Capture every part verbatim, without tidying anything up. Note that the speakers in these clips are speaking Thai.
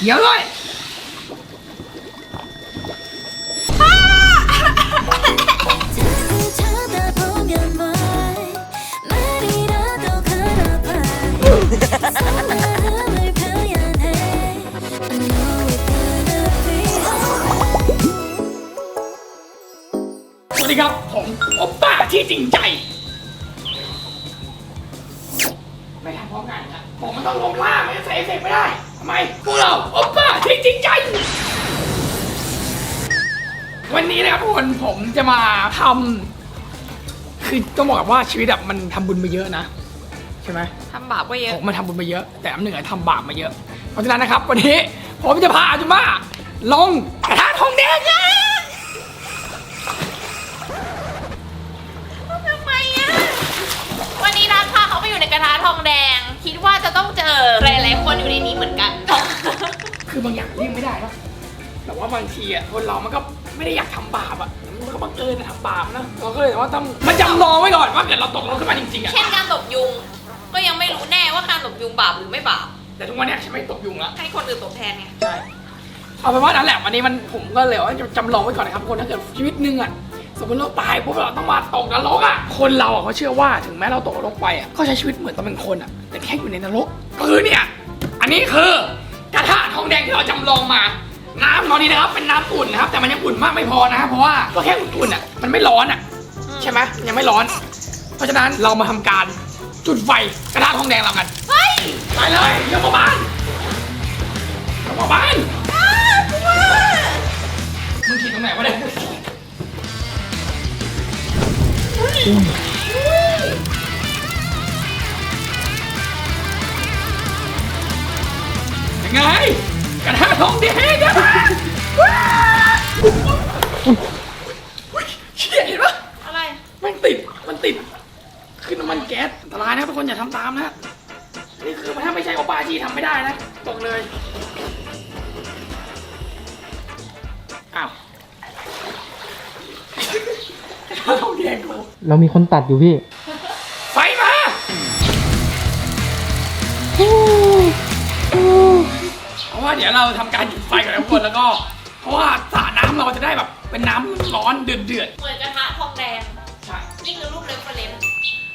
เดี๋ยวเลยสวัสดีครับผมโอป้าที่จริงใจไม่ทำพร้อมกันครับผมมันต้องลงล่าไม่ใส่เอฟเฟกต์ไม่ได้ทำไมพวกเราโอป้าที่จริงใจวันนี้นะครับทุกคนผมจะมาทำคือต้องบอกว่าชีวิตแบบมันทำบุญมาเยอะนะใช่ไหมทำบาปก็เยอะผมมาทำบุญมาเยอะแต่อันหนึ่งทำบาปมาเยอะเพราะฉะนั้นนะครับวันนี้ผมจะพาอาจุม่าลงกระทะทองแดงนะทำไมอ่ะวันนี้นัดพาเขาไปอยู่ในกระทะทองแดงคิดว่าจะต้องเจอหลายๆคนอยู่ในนี้เหมือนกันคือบางอย่างเลี่ยงไม่ได้นะแต่ว่าบางทีอ่ะคนเรามันก็ไม่ได้อยากทำบาปอ่ะมันก็บังเอิญทำบาปนะเราก็เลยว่าต้องมันจำลองไว้ก่อนว่าเกิดเราตกลงขึ้นมาจริงๆอ่ะเช่นการตบยุงก็ยังไม่รู้แน่ว่าการตบยุงบาปหรือไม่บาปแต่ทุกวันนี้ฉันไม่ตบยุงแล้วให้คนอื่นตบแทนไงใช่เอาเป็นว่านั่นแหละวันนี้มันผมก็เลยว่าจำลองไว้ก่อนนะครับทุกคนถ้าเกิดชีวิตนึงอ่ะสมมติเราตายปุ๊บเราต้องมาตกนรกอ่ะคนเราอ่ะเขาเชื่อว่าถึงแม้เราตกนรกไปอ่ะก็ใช้ชีวิตเหมือนตอนเป็นคนอ่ะแต่แค่อยู่ในนรกคือเนี่ยอันนี้คือกระทะทองแดงที่เราจำลองมาน้ำตอนนี้นะครับเป็นน้ำอุ่นนะครับแต่มันยังอุ่นมากไม่พอนะเพราะว่าก็แค่อุ่นๆอ่ะมันไม่ร้อนอ่ะใช่ไหมยังไม่ร้อนเพราะฉะนั้นเรามาทำการจุดไฟกระทะทองแดงเรากันเฮ้ยไปเลยยกมาบ้านยกมาบ้านมึงขีดตรงไหนวะเนี่ยยังไงกระทะทองแดงนะเชี่ยเห็นปะอะไรมันติดมันติดคือน้ำมันแก๊สอันตรายนะทุกคนอย่าทำตามนะนี่คือถ้าไม่ใช่โอปาจีทำไม่ได้นะบอกเลยอ้าวทองแดงกูเรามีคนตัดอยู่พี่ไฟมาเพราะว่าเดี๋ยวเราทำการจุดไฟกันทุกคนแล้วก็เพราะว่าสระน้ำเราจะได้แบบเป็นน้ำร้อนเดือดเดือดเหมือนกระทะทองแดงใช่นี่คือรูปเรฟเฟอเรนซ์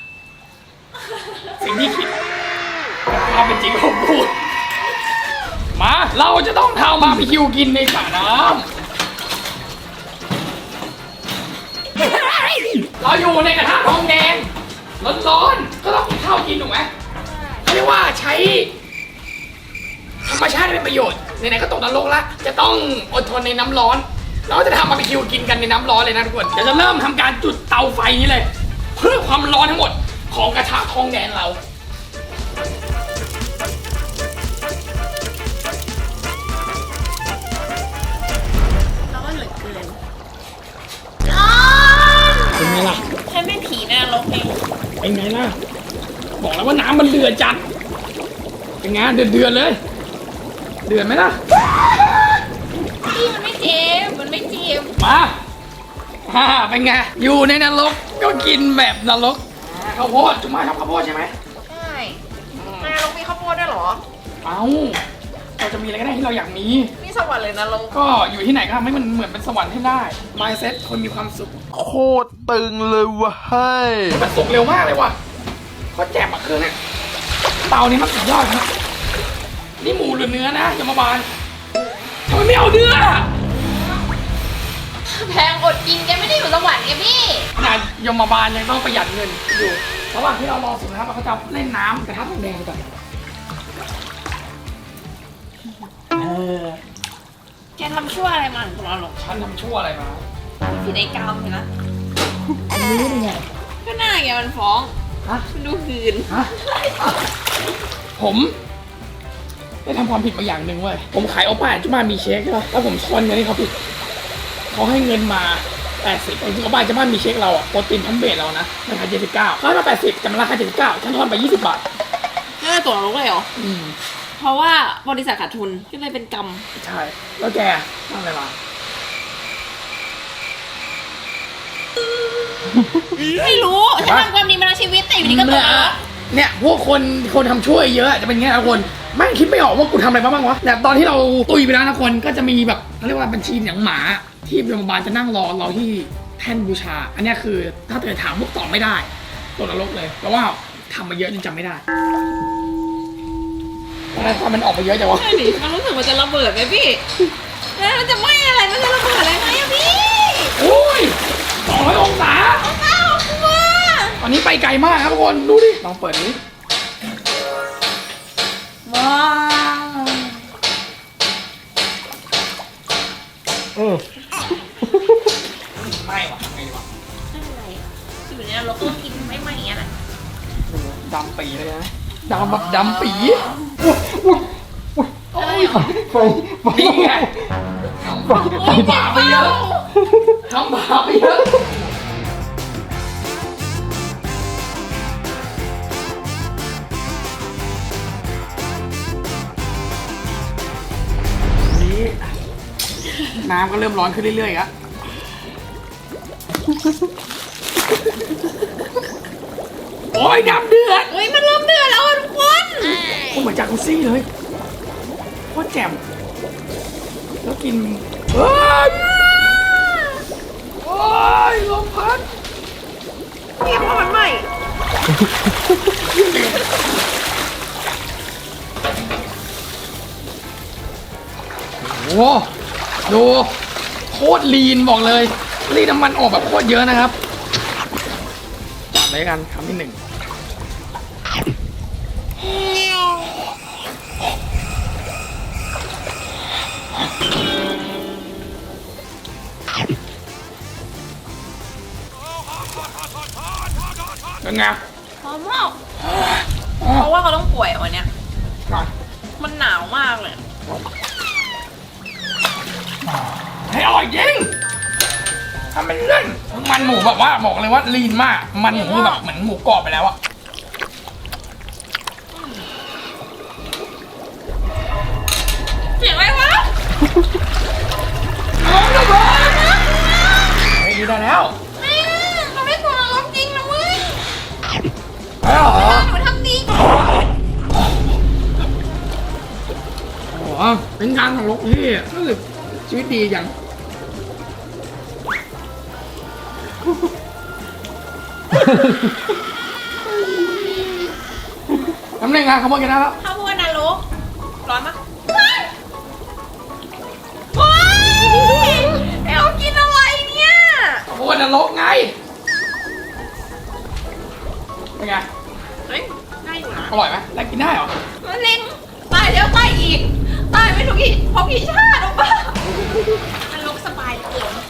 สิ่งที่คิดความเป็นจริงของกูมาเราจะต้องทำบาร์บีคิวกินในสระน้ำเราอยู่ในกระทะทองแดงร้อนๆก็ต้องกินข้าวกินถูกไหมเขาเรียกว่าใช้ธรรมชาติเป็นประโยชน์ไหนๆก็ตกนรกละจะต้องอดทนในน้ำร้อนเราจะทำบาร์บีคิวกินกันในน้ำร้อนเลยนะทุกคนเดี๋ยวจะเริ่มทำการจุดเตาไฟนี้เลยเพื่อความร้อนทั้งหมดของกระทะทองแดงเราแล้วก็เหลือเกินเป็นไงล่ะฉันไม่ผีในนรกเองเป็นไงล่ะบอกแล้วว่าน้ำมันเดือดจัดเป็นไงเดือดเดือดเลยเดือดไหมล่ะพี่มันไม่เจ็บมันไม่เจ็บมาฮ่าเป็นไงอยู่ในนรกก็กินแบบนรกข้าวโพดจุ๊มาชอบข้าวโพดใช่ไหมใช่ในนรกมีข้าวโพดด้วยเหรอเอ้าเราจะมีอะไรก็ได้ที่เราอยากมีนี่สวรรค์เลยนรกก็อยู่ที่ไหนก็ทำให้มันเหมือนเป็นสวรรค์ให้ได้ mindset คนมีความสุขโคตรตึงเลยว่ะเฮ้ยมันสุกเร็วมากเลยว่ะเขาแจกมาคืนเนี่ยเตานี้มันสุดยอดนะนี่หมูหรือเนื้อนะยมบาลทำไมไม่เอาเนื้อแพงอดกินแกไม่ได้อยู่สวรรค์แกพี่ขนาดยมบาลยังต้องประหยัดเงินอยู่ระหว่างที่เรารอสุกนะครับเราก็จะเล่นน้ำกระทะทองแดงก่อนเออแกทำชั่วอะไรมาของเราหรอฉันทำชั่วอะไรมาผิดไอ้กาวเห็นไหมรู้ได้ไงก็หน้าแกมันฟ้องฮะมันดูหืนฮะผมได้ทำความผิดมาอย่างหนึ่งเว้ยผมขายโอป้าจุ๊มามีเช็คใช่ป่ะแล้วผมทอนเงินให้เขาผิดเขาให้เงินมาแปดสิบจริงๆโอป้าจุ๊มามีเช็คเราอะโปรตีนพันเบสเรานะราคาเจ็ดสิบเก้าเขาให้มาแปดสิบแต่มันราคาเจ็ดสิบเก้าฉันทอนไปยี่สิบบาทนี่เป็นตัวเราเลยเหรออืมเพราะว่าบริษัทขาดทุนก็เลยเป็นกรรมใช่แล้วแกทำอะไรมาไม่รู้ฉันทำความดีมาทั้งชีวิตแต่อยู่ดีก็ตกนรกเนี่ยพวกคนคนทำช่วยเยอะจะเป็นไงครับคนไม่คิดไม่ออกว่ากูทำอะไรมาบ้างวะแต่ตอนที่เราตุยไปแล้วนะคนก็จะมีแบบเขาเรียกว่าบัญชีอย่างหมาที่โรงพยาบาลจะนั่งรอเราที่แท่นบูชา อันเนี้ยคือถ้าเกิดถามพวกตอบไม่ได้ตกนรกเลยเพราะว่าทำมาเยอะจนจำไม่ได้ทำไมความมันออกมาเยอะจังวะใช่ดิมันรู้สึกมันจะระเบิดไหมพี่แล้วมันจะไหม้อะไรมันจะระเบิดอะไรไหมอะพี่โอ้ยสองร้อยองศาอ้าวกลัวตอนนี้ไปไกลมากครับทุกคนดูดิลองเปิดนี้ว้าวเออไม่หรอกไม่ดีกว่าอะไรอะอยู่ในนรกต้องกินไม่ไหม้อย่างเงี้ยนะดำปีเลยนะดำแบบดำปีไฟไฟไฟนี่ไงทำบาปทำบาปไปเยอะทำบาปไปเยอะนี่น้ำก็เริ่มร้อนขึ้นเรื่อยๆครับโอ้ยดำเดือดเฮ้ยมันเริ่มเดือดแล้วอะทุกคนโคตรเหมือนจากุซี่เลยโคตรแจ่มแล้วกินเฮ้ยโอ้ยลมพัดเทียบมันใหม่โอ้โหดูโคตรลีนบอกเลยลีนน้ำมันออกแบบโคตรเยอะนะครับจัดเลยกันคำที่หนึ่งเป็นไงหอมมากเพราะว่าเขาต้องป่วยอะวันเนี้ยอ่ะมันหนาวมากเลยให้อร่อยจริงทำเป็นเล่นมันหมูแบบว่าบอกเลยว่าลีนมาก มันหมูคือแบบเหมือนหมูกรอบไปแล้วอะเสียงอะไรวะน้องระเบิดเฮ้ยดีได้แล้วนี่เขาไม่กลัวนรกจริงนะเว้ยได้เหรอหนูทำดีโอ้โหเป็นการของลกที่รู้สึกชีวิตดีจังทำได้ไงเขาบอกกันนะแล้วข้าวโพดนรกร้อนปะว้ายเอลกินอะไรเนี่ยโอ้ยนรกไงเป็นไงเฮ้ยได้อยู่นะอร่อยไหมได้กินได้เหรอมะเร็งตายแล้วตายอีก ตายไม่ถูกอีกเพราะพี่ชาติหรือเปล่ามันลกสบายเหลือเกิน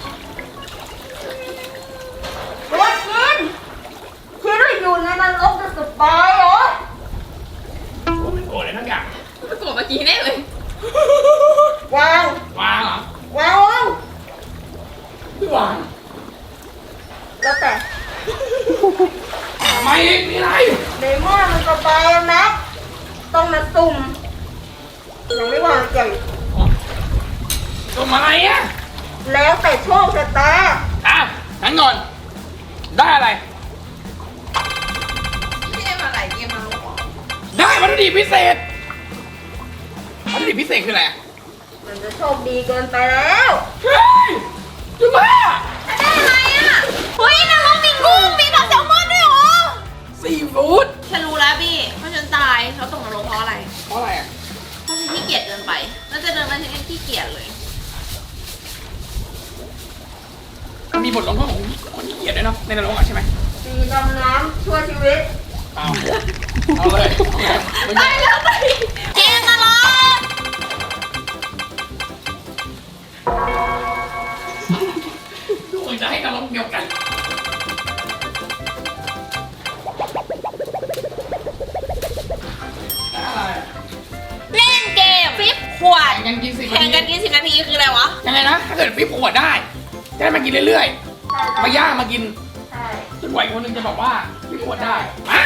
รถขึ้นคือเราอยู่ในนรกจะสบายเหรอโอ้ยโกรธเลยทั้งอย่างไปกดเมื่อกี้แน่เลยวางวางเหรอวางวางไม่วางแล้วแต่ทำไมอีกมีอะไรในเมื่อมันสบายแล้วนะต้องมาตุ่มยังไม่วางใจทำอะไรอ่ะแล้วแต่โชคชะตาอ่ะงั้นก่อนได้อะไรเกมอะไรเกมนรกเหรอได้วัตถุดิบพิเศษวัตถุดิบพิเศษคืออะไรอ่ะมันจะโชคดีเกินไปแล้วเฮ้ยจุ๊บ้าได้อะไรอ่ะเฮ้ยนรกมีกุ้งมีปลาแซลมอนด้วยเหรอซีฟู้ดฉันรู้แล้วพี่เพราะฉันตายเขาตกนรกเพราะอะไรเพราะอะไรอ่ะเพราะฉันขี้เกียจเกินไปแล้วจะเดินมาฉันยังขี้เกียจเลยมันมีบทลงโทษของคนขี้เกียจด้วยเนาะในนรกอ่ะใช่ไหมสีดำน้ำช่วยชีวิตเอาเอาเลยเอาเลยไม่ตามียแล้วตายเกมนรกทุกคนจะให้นรกเดียวกันอะไรอ่ะเล่นเกมฟิปขวดแข่งกันกินสิบแข่งกันกินสิบนาทีคืออะไรวะยังไงนะ ถ้าเกิดฟิปขวดได้ จะได้มากินเรื่อยๆ มาย่างมากินใช่จนกว่าอีกคนหนึงจะบอกว่าฟิปขวดได้มา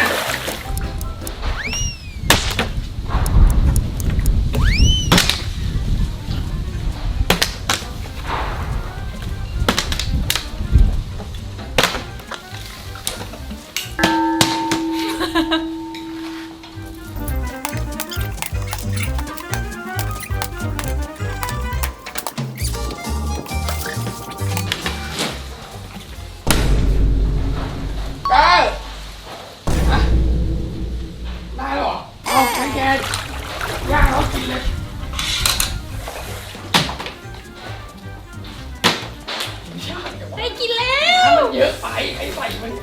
ใครใส่มัน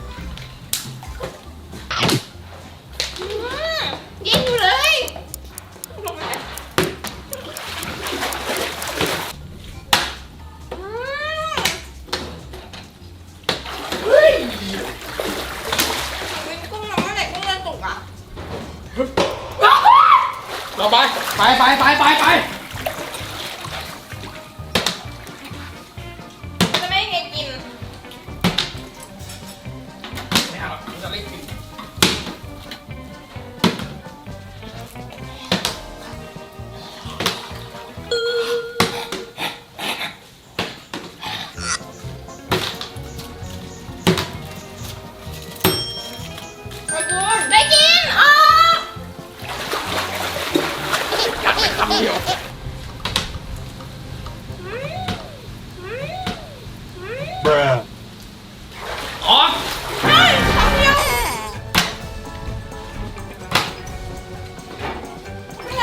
อืมยิงอยู่เลยลงมาอืมเฮ้ยเป็นกุ้งน้ำมันไหนกุ้งเลือดตกอ่ะเราไปไปไปไปไปไปจะไม่ให้แกกินไม่เอาหรอกจะเล่นกินได้กินอ๋อกัดไปคำเดียว bruh อ๋อไง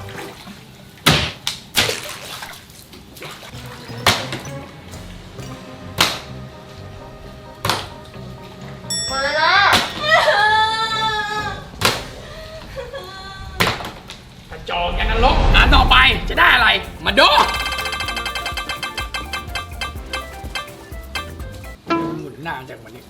หมดเวลากระจอกอย่างนั้นลกอ่านต่อไปจะได้อะไร มาดูหมุนหน้าจากวันนี้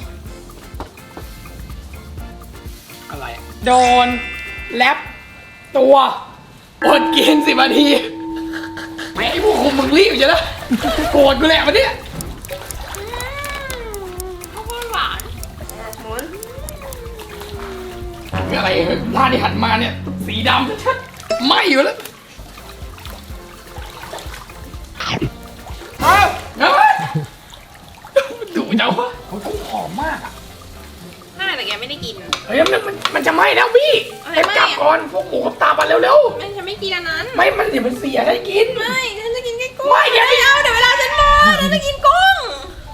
อะไรอะโดนแลบตัวอดกินสิบนาทีไม่ไอ้พวกคุมมึงรีบอยู่แล้วโกรธกูแหละวันนี้ข้าวโพดหวานหมุนอะไรหน้าที่หันมาเนี่ย สีดำชัดๆไหม่อยู่แล้วเอาเฮ้ยดูเจ้าวะเขาต้องหอมมากอ่ะน่าแต่แกไม่ได้กินเฮ้ยมันมันมันจะไหม้แล้วพี่อะไรเอ็มไหม้จับอะก่อนพวกหมูกับตาบันเร็วไม่ฉันไม่กินอันนั้นๆไม่มันเดี๋ยวมันเสียได้กินไม่ฉันจะกินแค่กุ้งไม่เดี๋ยวไม่เอาเดี๋ยวเวลาฉันหมดฉันจะกินกุ้ง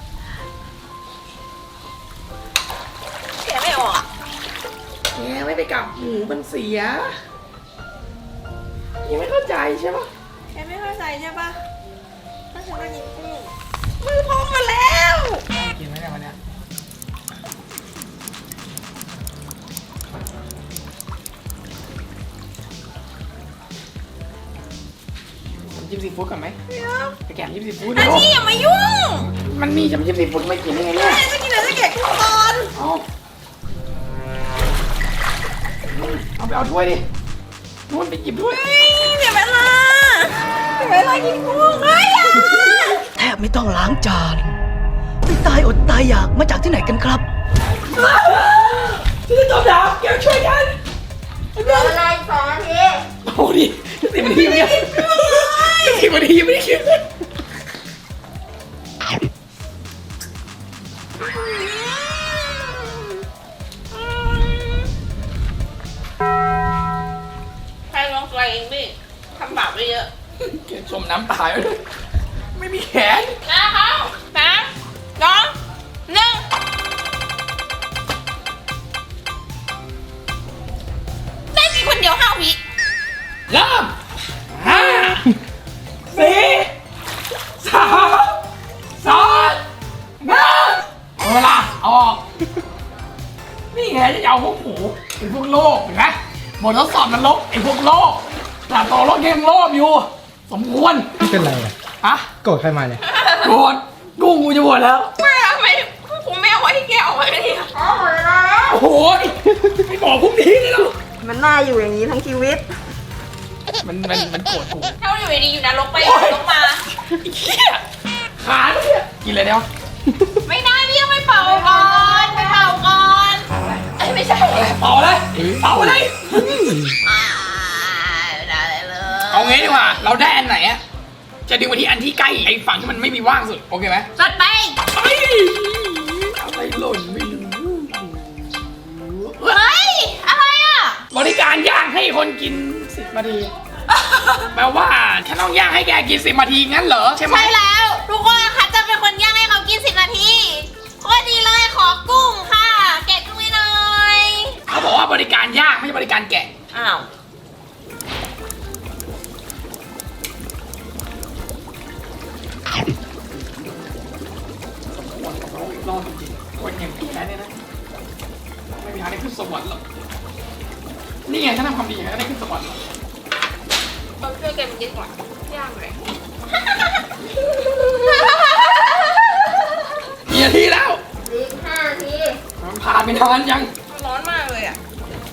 แกะไม่ออกอ่ะแกไม่ไปกับหมูมันเสียยังไม่เข้าใจใช่ปะแกไม่เข้าใจใช่ปะถ้าฉันจะกินกุ้งมือพองมาแล้วกินไหมเนี่ยวันเนี้ยน้ำจิ้มซีฟู้ดก่อนไหมเดี๋ยวไปแกะน้ำจิ้มซีฟู้ดอันเร็วนี้อย่ามายุ่งมันมีน้ำจิ้มซีฟู้ดไม่กินได้ไงเนี่ยแม่จะกินอะไรจะแกะกุ้งก่อนเอาเอาไปเอาถ้วยดินู่นไปหยิบด้วยเฮ้ยเดี๋ยวเวลาเดี๋ยวเวลากินกุ้งเฮ้ยอย่าแทบไม่ต้องล้างจานไปตายอดตายอยากมาจากที่ไหนกันครับชื่อจอมดาวแกช่วยกันเหลือเวลาอีกสองนาทีโอ้ดิสิบนาทีเนี่ยสิบนาทียังไม่ได้คิดเลยใครลองตัวเองดิทำบาปไปเยอะแกชมน้ำตายไปเลยไม่มีแขนนะครับสามสองหนึ่งได้กินคนเดียวห้าวิเริ่มห้าสี่สามสองหนึ่งเอาเวลาเอาออกนี่ไงจะเอาพวกหมูไอ้พวกโลกเห็นไหมบททดสอบนรกไอ้พวกโลกแต่ตัวโลกยังโลภอยู่ สมควรไม่เป็นไรอะฮะโกรธใครมาเนี่ยโกรธกุ้งกูจะหมดแล้วไม่ทำไมผมไม่เอาไว้ที่แกออกมาเนี่ยอ๋อหมดเวลาแล้วโอ้โหไม่บอกพวกนี้เลยหรอมันน่าอยู่อย่างนี้ทั้งชีวิตมันมันมันโกรธกูถ้าอยู่ดีๆอยู่นรกไปโอ๊ยนรกมาไอ้เหี้ยขาเนี่ยกินเลยเดี๋ยวไม่ได้พี่ต้องไปเป่าก่อนไปเป่าก่อนเอ้ยไม่ใช่เป่าเลยเป่าเลยอ่าไม่ได้เลยเอางี้ดีกว่า เราได้อันไหนอะจะดึงไปที่อันที่ใกล้ไอ้ฝั่งที่มันไม่มีว่างสุด โอเคไหมจัดไปเฮ้ยอะไรหล่นไม่รู้เฮ้ย อะไรอ่ะบริการย่างให้คนกินสิบนาที แปลว่าฉันต้องย่างให้แกกินสิบนาทีงั้นเหรอใช่ไหมใช่แล้ว ทุกคนคะจะเป็นคนย่างให้เขากินสิบนาทีโคตรดีเลยขอกุ้งค่ะ แกะกุ้งให้หน่อยเขาบอกว่าบริการย่างไม่ใช่บริการแกะอ้าวรอบจคนอย่างพี่นะเนี่ยนะไม่มีทางได้ขึ้นสวรรค์หรอกนี่ไงถ้าทำความดีอย่างนั้นได้ขึ้นสวรรค์หรอกเขาช่วยกันยิ่งกว่าย่างเลยกี่นาทีแล้วอีกห้านาทีมันผ่านไปนานยังร้อนมากเลยอ่ะ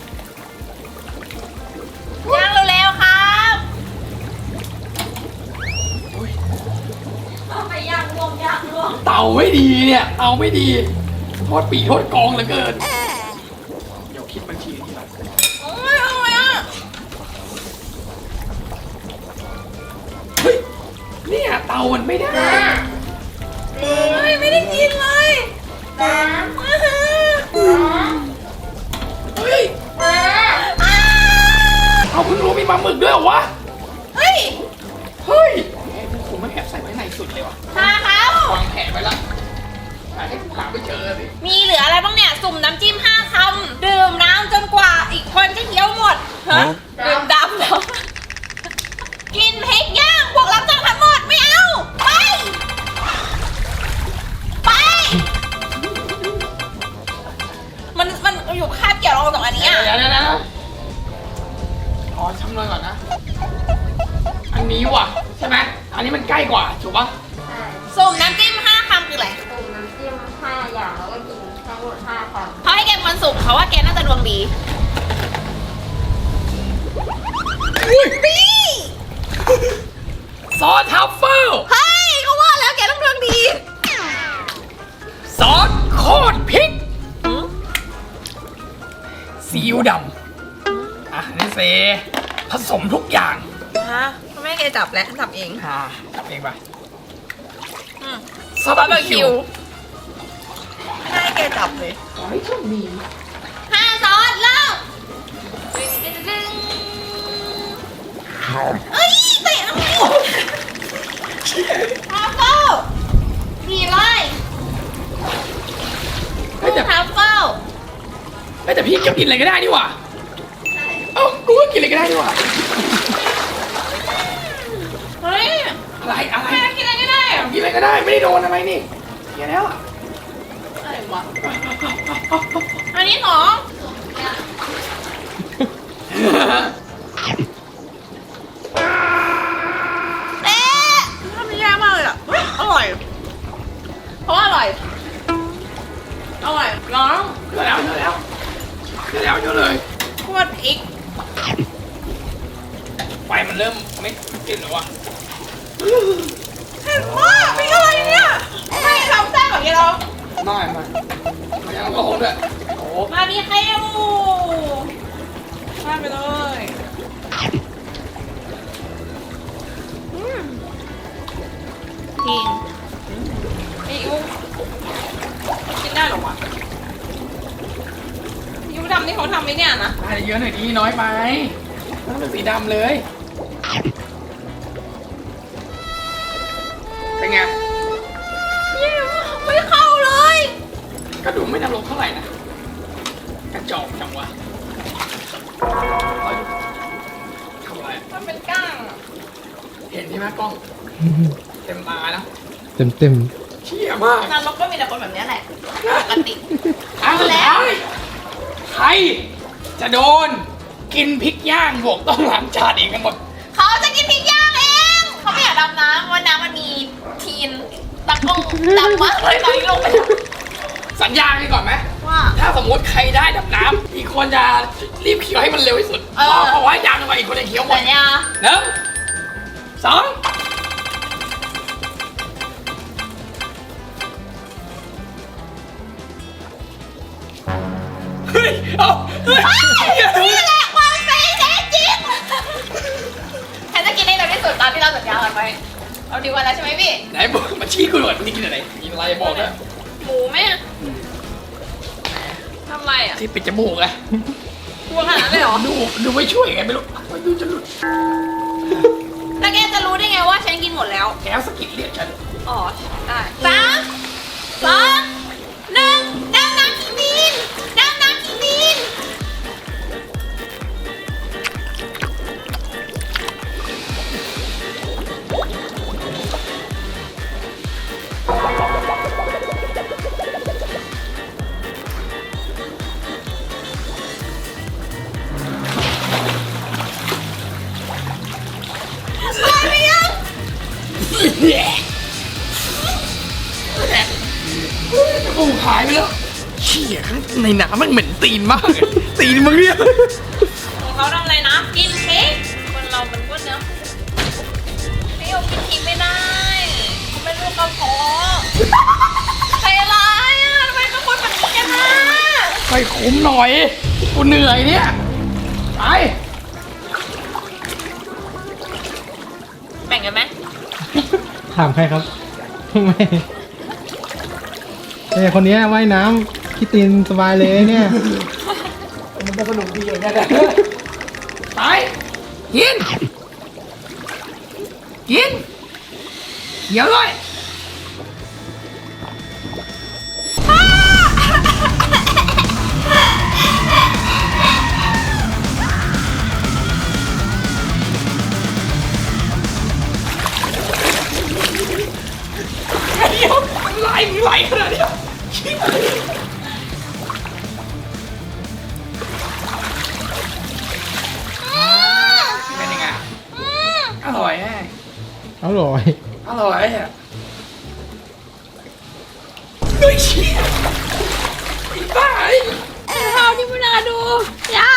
ย่างเร็วๆครับไปย่างรวมย่างรวมเตาไม่ดีเนี่ยเตาไม่ดีโทษปีโทษกองเหลือเกินเดี๋ยวคิดบัญชีทีหลังโอ้ยอร่อยอ่ะเฮ้ยเนี่ยเตามันไม่ได้เฮ้ยไม่ได้กินเลยสามเฮ้ยอ้าเอาเพิ่งรู้มีปลาหมึกด้วยเหรอวะเฮ้ยเฮ้ยแหมผมไม่แอบใส่ไว้ในสุดเลยวะชาเขาวางแผนไว้ละหาให้กูหาไม่เจอสิมีเหลืออะไรบ้างเนี่ย สุ่มน้ำจิ้มห้าคำดื่มน้ำจนกว่าอีกคนจะเคี้ยวหมดฮะดื่มดำแล้วกินพริกย่างพวกรับจ้างทั้งหมดไม่เอา ไป ไป มันมันอยู่คาบเกี่ยวเราสองอันนี้เดี๋ยวอ่ะเดี๋ยวเดี๋ยวนะขอชำนวนก่อนนะ อันนี้ว่ะใช่ไหมอันนี้มันใกล้กว่าถูกปะใช่สุ่มน้ำจิ้มห้าคำคืออะไรตุ่มน้ำจิ้มห้าอย่างแล้วก็กินทั้งหมดห้าคำเขาให้แกมันสุ่มเขาว่าแกน่าจะดวงดีอุ้ยนี่ซอสทัฟเฟิลเฮ้ยเขาว่าแล้วแกต้องดวงดีซอสโคตรพริกซีอิ๊วดำอ่ะนี่เซผสมทุกอย่างฮะเขาไม่ให้แกจับแล้วจับเองอ่าจับเองไปอืมซอสบาบาร์ร์บีบีคิคิววไม่ให้แกจับเลยขอให้โชคดีห้าซอสเริ่มดึงดึงดึงเอ้ยเตะทำไมทรัฟเฟิลดีเลยเฮ้ยแต่ทรัฟเฟิลเฮ้ยแต่พี่ก็กินอะไรก็ได้นี่หว่าเอ้ากูก็กินอะไรก็ได้นี่หว่าเฮ้ยอะไรอะไรแม่กินอะไรก็ได้อะกินอะไรก็ได้ไม่ได้โดนอะไรนี่เกียแล้วอะอะไรวะอันนี้หรอเอ๊ะทำได้ยากมากเลยอ่ะเฮ้ยอร่อย เพราะว่าอร่อย อร่อยน้องเจอแล้วเจอแล้วเจอแล้วเจอเลยขวดพริกไฟมันเริ่มไม่ติดแล้ววะเผ็ดมากพริกอะไรเนี่ยไม่ทำแซ่บแบบนี้หรอไม่ไม่ไม่ยังก็โหดด้วยโอ้มาดีเค็มมาไปเลยอืมกินอีอูกินได้เหรอวะยูดำนี่เขาทำไหมเนี่ยนะได้เยอะหน่อยดีน้อยไปต้องเป็นสีดำเลย เป็นไงไม่เข้าเลยกระดูกไม่นรกเท่าไหร่นะ กระจอกจังวะเอาดูทำอะไรอะมันเป็นก้างอะเห็นใช่ไหมกล้อง เต็มตาแล้วเต็มเต็มเชี่ยมากนรกก็มีแต่คนแบบเนี้ยแหละปกติเอาแล้ว ใครจะโดนกินพริกย่างบวกต้องล้างจานเองกันหมดเขาจะกินพริกย่างเองเขาไม่อยากดำน้ำวันน้ำมันมีทีนตะกงดำมากเลยตอนนี้ลงไปแล้วสัญญากันก่อนไหมว่าถ้าสมมติใครได้ดับน้ำ อีกคนจะรีบเคี้ยวให้มันเร็วที่สุดเออเพราะว่ายางลงไปอีกคนจะเคี้ยวหมดสัญญาหนึ่งสองเฮ้ยเอาเฮ้ยนี่แหละความเซ็งแท้จริงฉันจะกินให้เร็วที่สุดตามที่เราสัญญากันไว้เอาดีกว่าแล้วใช่ไหมพี่ไหนบอกมาชี้กูหน่อยนี่กินอะไรกินอะไรบอกนะหมูไหมอะทำไรอ่ะที่ปิดจมูกไงกลัวขนาดนั้นเลยเหรอดูดูไม่ช่วยไงไม่รู้ไม่ดูจะหลุดแล้วแกจะรู้ได้ไงว่าฉันกินหมดแล้วแกสะกิดเรียกฉันอ๋อ ได้สามสองหนึ่งดำน้ำขีมีนดำน้ำขีมีนเชี่ยข้างในน้ำมันเหม็นตีนมากเลยตีนมึงเนี่ยของเขาทำอะไรนะ กินเค้กคนเรามันก็เนื้อไม่เอากินทิ้งไม่ได้เขาไม่รู้กระเพาะใจร้ายอ่ะทำไมเป็นคนแบบนี้กันนะไปคุ้มหน่อยกูเหนื่อยเนี่ยไปแบ่งกันไหมถามใครครับไม่เอ้ยคนนี้ว่ายน้ำพี่ตีนสบายเลยเนี่ยมันจะสนุกดีอย่างเงี้ยนะไปกินกินเดี๋ยวเลยเดี๋ยวไหลไหลขนาดเนี้ยเป็นยังไงอร่อยแน่อร่อยอร่อยอ่ะเฮ้ยเชี่ยไอ้บ้าไอ้ข้าวที่ไม่น่าดูยา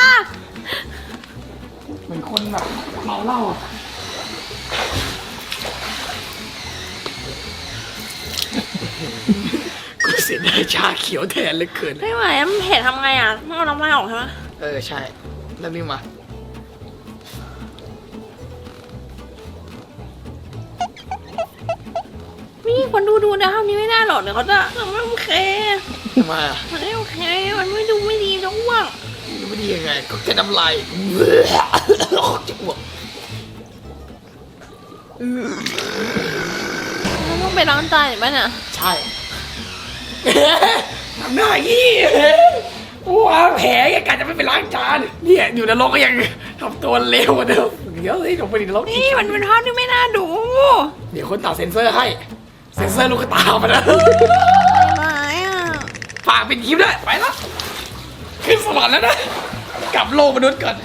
เหมือนคนแบบเมาเหล้าอ่ะกูเสียดายชาเขียวแทนเหลยเกินไม่ไหวมันเผ็ดทำไงอ่ะต้องเอาน้ำลายออกใช่ไหมเออใช่แล้วนี่มานี่คนดูดูนะภาพนี้ไม่ได้หรอกเดี๋ยวเขาจะมันไม่โอเคทำไมอ่ะมันไม่โอเค มันไม่ดูไม่ดีจะอ้วกไม่ดียังไงก็แค่น้ำลายจะอ้วกมันต้องไปล้างจานหรือเปล่าเนี่ยใช่ทำหน้ายี่ว้าแผลยังการจะไม่ไปล้างจานเนี่ยอยู่ในโลกก็ยังทำตัวเลวกว่าเดิมเดี๋ยวสิลงไปในโลกนี่มันเป็นภาพที่ไม่น่าดูเดี๋ยวคนตัดเซ็นเซอร์ให้เซ็นเซอร์ลูกตามานะไม่อ่ะฝากเป็นคลิปด้วยไปแล้วขึ้นสวรรค์แล้วนะกลับโลกมนุษย์ก่อน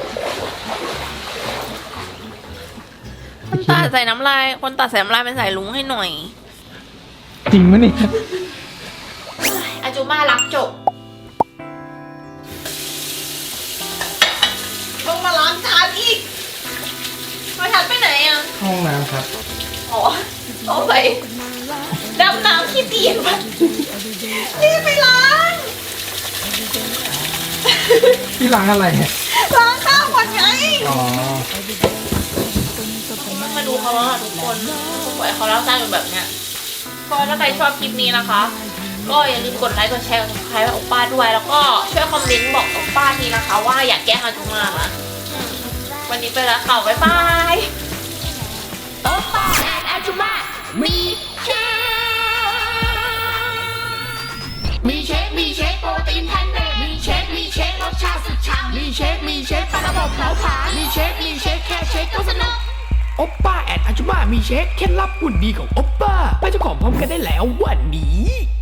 คนตัดใส่น้ำลายคนตัดใส่น้ำลายเป็นสายลุงให้หน่อยจริงไหมเนี่ยอาจูมารับจบต้องมาล้างจานอีกมาทัดไปไหนอ่ะห้องน้ำครับอ๋อเอาไปดำน้ำขี้ตีนมันนี่ไปล้างที่ร้านอะไรเนี่ยล้างข้าวก่อนไงอ๋อมาดูเขาว่าทุกคนปล่อยเขาเล่าใจเป็นแบบเนี้ยก็ถ้าใครชอบคลิปนี้นะคะ ก็อย่าลืมกดไลค์กดแชร์กดซับสไครต์ให้โอป้าด้วย แล้วก็ช่วยคอมเมนต์บอกโอป้าทีนะคะ ว่าอยากแกล้งอาจุมาอ่ะอืมวันนี้ไปแล้วค่ะบ๊ายบายโอป้าแอนอาจุมามีเชฟมีเชฟมีเชฟโปรตีนแพนเนตมีเชฟมีเชฟรสชาติสุดฉ่ำมีเชฟมีเชฟปลาระบบเผาผลาญมีเชฟมีเชฟแค่เชฟก็สนุกโอปป้าแอนอาจุมามีเช็คเคล็ดลับหุ่นดีของโอปป้าไปเจ้าของพร้อมกันได้แล้ววันนี้